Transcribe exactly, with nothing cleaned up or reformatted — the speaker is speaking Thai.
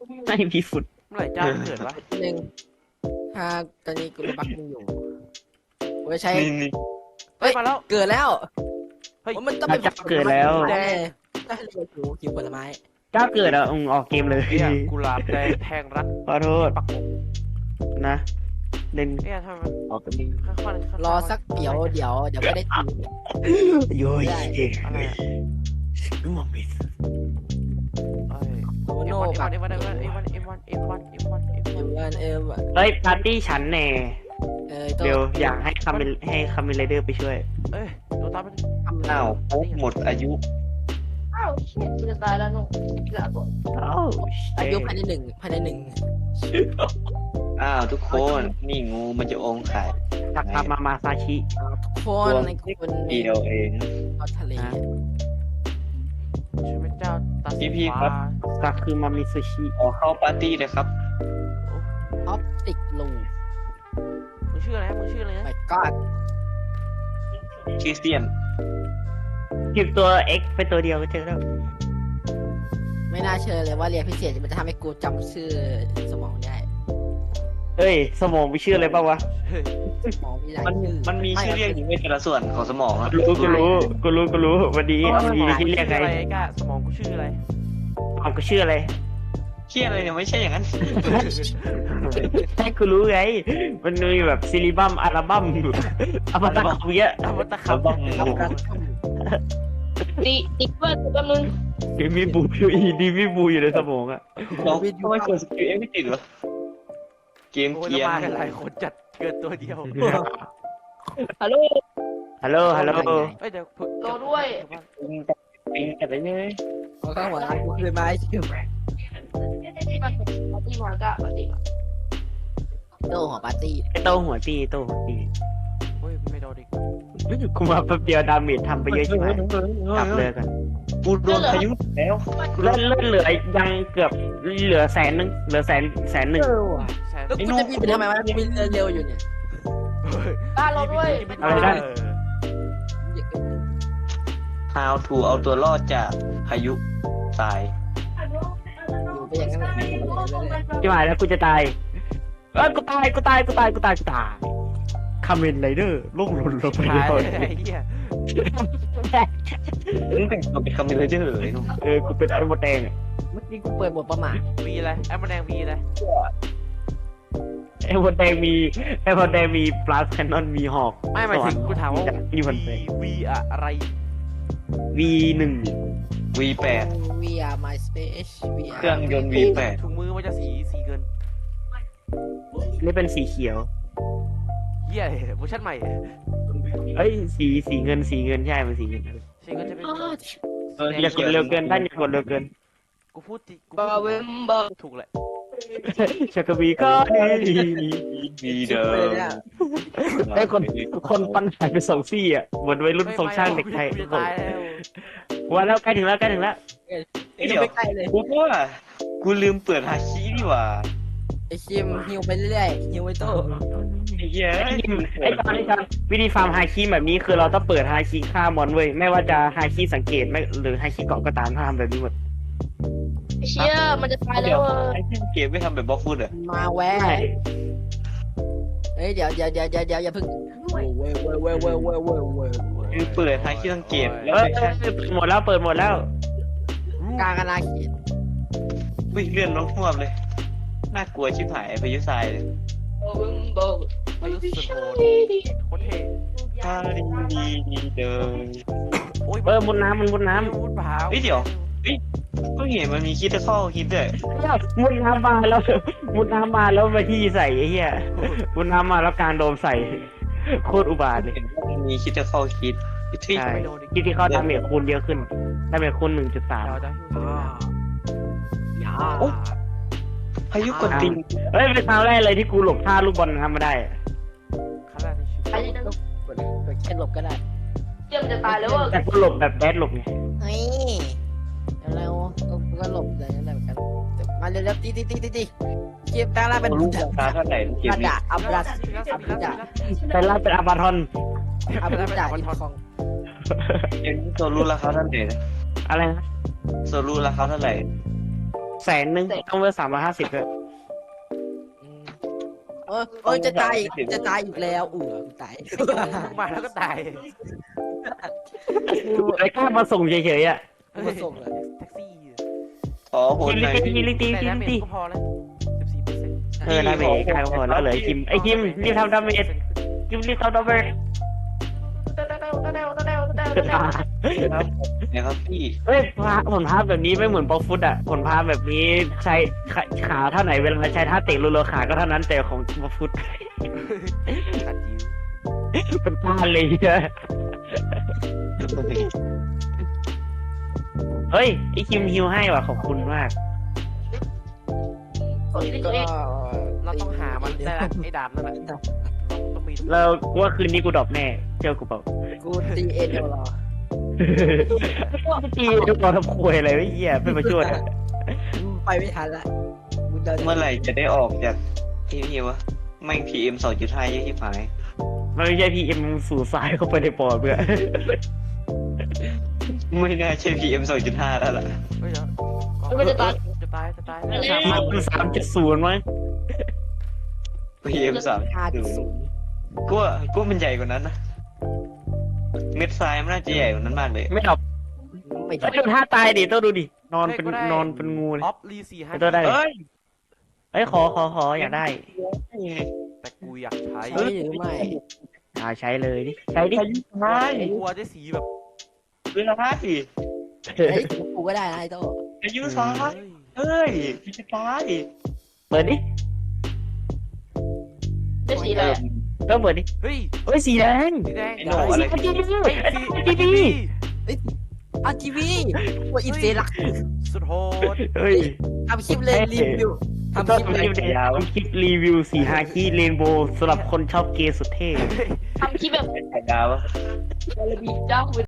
ไม่มีฝุ่นเมื่อไหร่เจ้าเกิดวะหนึ่งถ้าตอนนี้กูระบักมึงอยู่กูจะใช้นี่นี่เฮ้ยมาแล้วเกิดแล้วเฮ้ยโอ้ยมันต้องถ้าเป็นเจ้าเกิดแล้วแน่ถ้าเรียกกูกินผลไม้เจ้าเกิดอ่ะอืมออกเกมเลยเนี่ยกุหลาบแดงแทงรัดขอโทษปักอกนะเล่นเนี่ยทำไมมันออกเกมค่อยๆค่อยๆรอสักเดี๋ยวเดี๋ยวเดี๋ยวไม่ได้กินโย้ยได้อะไรอะนึกมองไม่เอ้ยโอเอ็โน่มกับวันเอ็มวันเอ็มวันเอ็มวันเอ็มวันเอ็มวันเอ็มวันเอ็มเอ็วันมวันเอ็มวันเฮ้ยปาร์ตี้ฉันแน่เออตัวเดี๋ยวอยากให้คาเมลให้คาเมลไรเดอร์ไปช่วยเอ้ยโดนตามมันอ้าวครบหมดอายุอ้าวเชี่ยกูจะตายแล้วหนุ่มเหลือตัวโอ้อายุภายในหนึ่งภายในหนึ่งอ้าวทุกคนนี่งูมันจะองค์ไข่ทักทามามาซาชิทุกคนในคนเดียวเองเอาทะเลช่วยเป็นเจ้าตัดพี่ๆครับซาคือมามิซูชิขอเข้าปาร์ตี้เลยครับออปติกลูมึงชื่ออะไรนะมึงชื่ออะไรนะไม่ก็ชื่อเซียนหยิบตัว X ไปตัวเดียวก็เจอแล้วไม่น่าเชื่อเลยว่าเรียนพิเศษมันจะทำให้กูจำชื่อสมองได้เอ้ย สมองมีชื่ออะไรบ้างวะเฮ้ยสมองมีหลายมันชื่อมันมีชื่อเรียกอยู่ในแต่ละส่วนของสมองอะรู้กูรู้กูรู้กูรู้วันนี้วันนี้ที่เรียกไงชื่ออะไรไอ้ก้าสมองกูชื่ออะไรเอากูชื่ออะไรเชี่ยอะไรเนี่ยไม่ใช่อย่างนั้นให้กูรู้ไง มันมีแบบซิลิบัมอัลบั้มอัลบั้มเยอะทำวัตคำบ้องรับการท่องตีติ๊กเกอร์ตัวแป๊บนึงดีมีบูอยู่อีดีมีบูอยู่ในสมองอะเราทำไมกดสกิลเอ็กไม่ติดวะเกมโอ้ยเกียแล้วร์มากันหลายคนจัดเกินตัวเดียวฮัลโหลฮัลโหลฮัลโหลเอ้ยเดี๋ยวโตด้วยปิงแต่ปิงแต่ไปเลยเอาข้างหัวร้านกูคืนมาให้ชื่อที่มันปาร์ตี้มากะปาร์ตี้โต้หัวปาร์ตี้ไอโตหัวตีโตหัวตีโอ้ยไม่โดนอีกกูมาแป๊บเดียวดาเมจทำไปเยอะใช่ไหมกลับเลยกันกูโดนพายุแล้วเลื่อนเลื่อนเหลือยังเกือบเหลือแสนนึงเหลือแสนแสนหนึ่งเออว่ะแสนแล้วกูจะบินไปทำไมวะกูบินเร็วๆอยู่เนี่ยบ้านเราด้วยอะไรได้ How to เอาตัวรอดจากพายุตายอยู่ไปอย่างนั้นแหละที่หมายแล้วกูจะตายเอ้ยกูตายกูตายกูตายกูตายกูตายคาเมนไรเดอร์ล่วงหล่นลงไปตายแล้วเลยไอ้เหี้ยมึงแต่งตัวเป็นคาเมลเจอร์เลยนุ่มเออกูเป็นไอ้หมดแดงอะเมื่อกี้กูเปิดบทประมาทวีอะไรแอมแดงวีอะไรไอ้หมดแดงมีไอ้หมดแดงมีปลาแคนนอนมีหอกไม่หมายถึงกูถามว่ามีวันแดวีงวีอะไรวีหนึ่งวีแปดวีอาร์ my space วีเครื่องยนต์ วีแปดถุงมือมันจะสีสีเกินนี่เป็นสีเขียวเหี้ยเวอร์ชันใหม่เอ้ยสีสีเงินสีเงินใช่มันสีเงินสีเงินจะเป็นเอออย่ากดเร็วเกินท่านอย่ากดเร็วเกินกูพูดจริงกูบาเวมเบอร์ถูกแหละชักกะบีก็ดีวีเดิมไอ้คนคนปัญหาไปสองซี่อ่ะเหมือนวัยรุ่นทรงช่างเด็กไทยกูจะตายแล้ววันแล้วใกล้ถึงแล้วใกล้ถึงแล้วเดี๋ยวไม่ใกล้เลยกูว่ากูลืมเปิดฮาคินี่หว่าไอชิมฮิวไปเรื่อยๆฮิวไว้โต้ไอ้เหี้ยไอ้ตอนนี้การวิธีฟาร์มไฮคีแบบนี้คือเราต้องเปิดไฮคีฆ่ามอนเว้ยไม่ว่าจะไฮคีสังเกตไม่หรือไฮคีเกาะก็ตามถ้าทำแบบนี้หมดเชี่ยมันจะตายแล้เดี๋ยว วเออไอ้ที่เกมไม่ทำแบบบล็อกฟุตเหรอมาแวะเฮ้ยเดี๋ยวเดี๋ยวเดี๋ยวเดี๋ยวเดี๋ยวอย่าเพิ่งเว้ยเว้ยเว้ยเว้ยเว้ยเว้ยเว้ยเว้ยคือเปิดฮาคิสังเกตแล้วเออไปแค่เปิดหมดแล้วเปิดหมดแล้วกลางอนาเขตวิ่งเลื่อนลงท่วมเลยน่ากลัวชิบหายพายุทรายเลยบาเวมเบอร์อายุสุดโหดโคตรเท่ถ้าดีดีดีเดิมโอ้ยเออมุดน้ำมันมุดน้มุดเปล่าเฮ้ยเดี๋ยว ก็เห็นมันมีคิดจะเข้าคิดด้วยำมุดน้ำมาแล้วมุดน้ำมาแล้วมาที่ใส่ไอ้เหี้ยมุดน้ำมาแล้วการโดมใส่โคตรอุบาทเลยเห็นว่ามันมีคิดจะเข้าคิดที่ใช่ไม่โดนอีกที่ที่เขาดาเมจคูณเยอะขึ้นดาเมจคูณหนึ่งจุดสามเราจะหิวอย่าพายุกดติงเฮ้ยเป็นครั้งแรกเลยที่กูหลบท่าลูกบอลน้ำมาได้ครั้งแรกในชีวิตไอ้นี่นะกดกดแค่หลบก็ได้เชี่ยมันจะตายแล้วเออแต่กูหลบแบบแบดหลบไงเฮ้ยแล้วก็ก็หลบอะไรนั่นแหละเหมือนกันมาเร็วๆตีตีตีตีตีเก็บตาลาเป็นรู้ราคาเท่าไหร่เกมอับนี้ดาอับดาอับดาแต่ล่าเป็นอาบาทอนอับดาอินคองเกมนี้โซลูราคาเท่าไหร่นะอะไรนะโซลูราคาเท่าไหร่แสนหนึ่งต้องเวอร์สามร้อยห้าสิบเลยอืมเออเออจะตายอีกจะตายอีกแล้วเออตายมาแล้วก็ตายไอ้กล้ามาส่งเฉยๆอ่ะมาส่งเลยแท็กซี่ขอโหดตีหน่อยตีพี่ตีตีแต่ตีดาเมจตีก็พอแล้วสิบสี่เปอร์เซ็นต์เออดาเมจกลายพอแล้วเลยคิมไอ้คิมรีบทำดาเมจคิมรีบทำดาเมจเต้าเต้าเต้าเต้าเต้าเต้าเต้าเต้าเนี่ยครับพี่เฮ้ยพาผลภาพแบบนี้ไม่เหมือนป๊อปฟุตอ่ะผลภาพแบบนี้ใช้ขาขาเท่าไหนเวลาใช้ท่าเตะรัวๆขาก็เท่านั้นแต่ของป๊อปฟุตขัดยิ้วเป็นก้านเลยอะเฮ้ยไอคิมฮิวให้ว่ะขอบคุณมากโอ้ยก็เราต้องหามันได้ละไอ้ดาบนั่นแหละเราต้องมีแล้วกูว่าคืนนี้กูดรอปแน่เชื่อกูเปล่ากูตีเอ็นเดียวรอตีทุกคนทำควยอะไรไม่เหี้ยไม่มาช่วยอะไปไม่ทันละมึงเดินเมื่อไหร่จะได้ออกจากที่นี่วะแม่งพีเอ็มสองจุดห้าเยอะที่ผายมันไม่ใช่พีเอ็มสู่สายเข้าไปในปอดเพื่อไม่น่าใช่พีเอ็มสองจุดห้าแล้วล่ะเฮ้ยเดี๋ยวมันจะตายจะตายจะตายไม่พีเอ็มสามจุดศูนย์มั้งพีเอ็มสามห้าจุดศูนย์กูว่ากูว่ามันใหญ่กว่านั้นนะเม็ดทรายมันน่าจะใหญ่กว่านั้นมากเลยไม่ดรอปไม่ไอ้ได้ดูท่าตายดิต้องดูดินอนเป็นนอนเป็นงูเลยออฟรีสี่ห้าไอ้ตัวได้เอ้ยเอ้ยขอขอขออยากได้แต่กูอยากใช้ใช่หรือไม่อ่าใช้เลยดิใช้ดิไม่กลัวจะสีแบบเรื่องห้าสิไอ้กูก็ได้นะไอ้โต้อายุซ้ายเฮ้ยพี่จะตายเปิดดิได้สีอะไรก็เปิดดิเฮ้ยเอ้ยสีแดงสีแดงไอ้โน่อะไรจีบีเฮ้ยสีจีบีอาร์ทีวีว่าอินเซลักสุดโหดเฮ้ยทำคลิปเลยรีวิวทำคก็ลิปทำเลคยลิปเดียวทำคลิปรีวิวสีฮาคิเรนโบว์สำหรับคนชอบเกย์สุดเท่ทำคลิปแบบไข่ดาวอะเจ้าคุณ